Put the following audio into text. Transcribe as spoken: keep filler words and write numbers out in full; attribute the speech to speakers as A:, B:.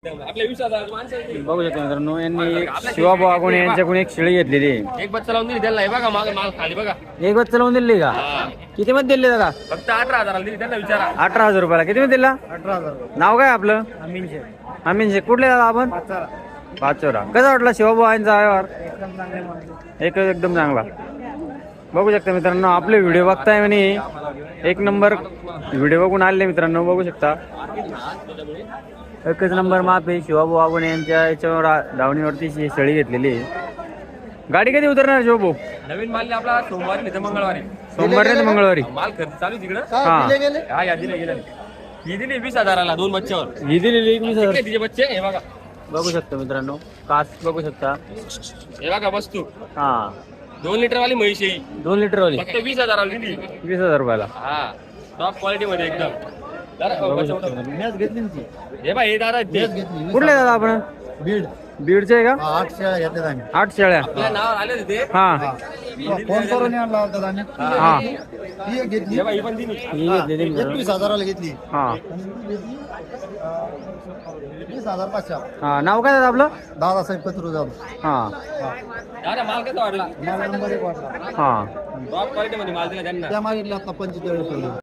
A: आपल्या विश्वासात माणसं आहेत ती.
B: बघू शकता मित्रांनो, यांनी शिवाभाऊ आगोणे यांच्याकडून एक शेळी घेतलेली आहे.
A: एक बच्चा लावून दिली त्याला, हे बघा माग माल खाली बघा.
B: एक बच्चा लावून दिली का?
A: हा.
B: किती मध्ये दिले दादा?
A: फक्त अठरा हजाराला दिली त्यांना विचारा.
B: अठरा हजार रुपयाला. किती मध्ये दिला?
C: अठरा हजार
B: नाव काय आपलं?
C: अमीन शेख
B: अमीन शेख. कुठले दादा आपण?
C: पाचारा
B: पाचोरा. कसा वाटला शिवाभाऊ यांचा व्यवहार?
C: एकदम चांगले माणसं.
B: एक एकदम चांगला. बघू शकता मित्रांनो, आपले व्हिडिओ बघताय म्हणे एक नंबर व्हिडिओ बघून आले मित्रांनो. बघू शकता एकच नंबर माप आहे. शिवाभाऊ आगोणे यांच्या याच्यावर धावणीवरती ही शेळी घेतलेली आहे. गाडी कधी उतरणार शिवभाऊ?
A: नवीन माल आपला सोमवारी नाही तर मंगळवारी.
B: सोमवारी नाही तर मंगळवारी.
A: माल खर्च चालू आहे तिकडं.
B: हा
C: दिले गेले
A: हा या दिले गेले. ही दिली वीस हजाराला दोन बच्च्यावर.
B: ही दिलेली एकवीस हजार.
A: तिकडे तिचे बच्चे हे बघा.
B: बघू शकता मित्रांनो, कास बघू शकता.
A: हे बघा वस्तू
B: हा
A: दोन लिटर वाली म्हैस आहे ही.
B: दोन लिटर वाली
A: फक्त वीस हजाराला दिली.
B: वीस हजार रुपयाला.
A: हा टॉप क्वालिटी मध्ये एकदम. जरा
B: बघू
A: बच्चा
B: शकता
A: उठव.
B: मित्रांनो.
C: मॅच घेतली ना ती
A: हे बघा हे दादा आहेत ते.
C: मॅच घेतली
B: कुठले दादा आपण?
C: बीड
B: बीडचे आहे का?
C: हा, आठ शेळ्या घेतल्यात आम्ही.
B: आठ शेळ्या.
A: आपल्या नावावर आले होते ते.
B: हा
C: फोन करून आणला होता आम्ही.
B: हा
C: ती एक घेतली
A: हे बघा ही पण दिली.
B: ही घेतलेली मित्रांनो.
C: एकवीस हजाराला घेतली
B: हा
C: वीस हजार पाचशे
B: हा. नाव काय दादा आपलं?
C: दादासाहेब कचरू जाऊ
B: हा
A: दादा माल कसा वाटला?
C: मला नंबर एक वाटला
B: हा
A: टॉप क्वालिटी मध्ये माल दिला त्यांना.
C: त्या मागितल्या आता पंचेचाळीस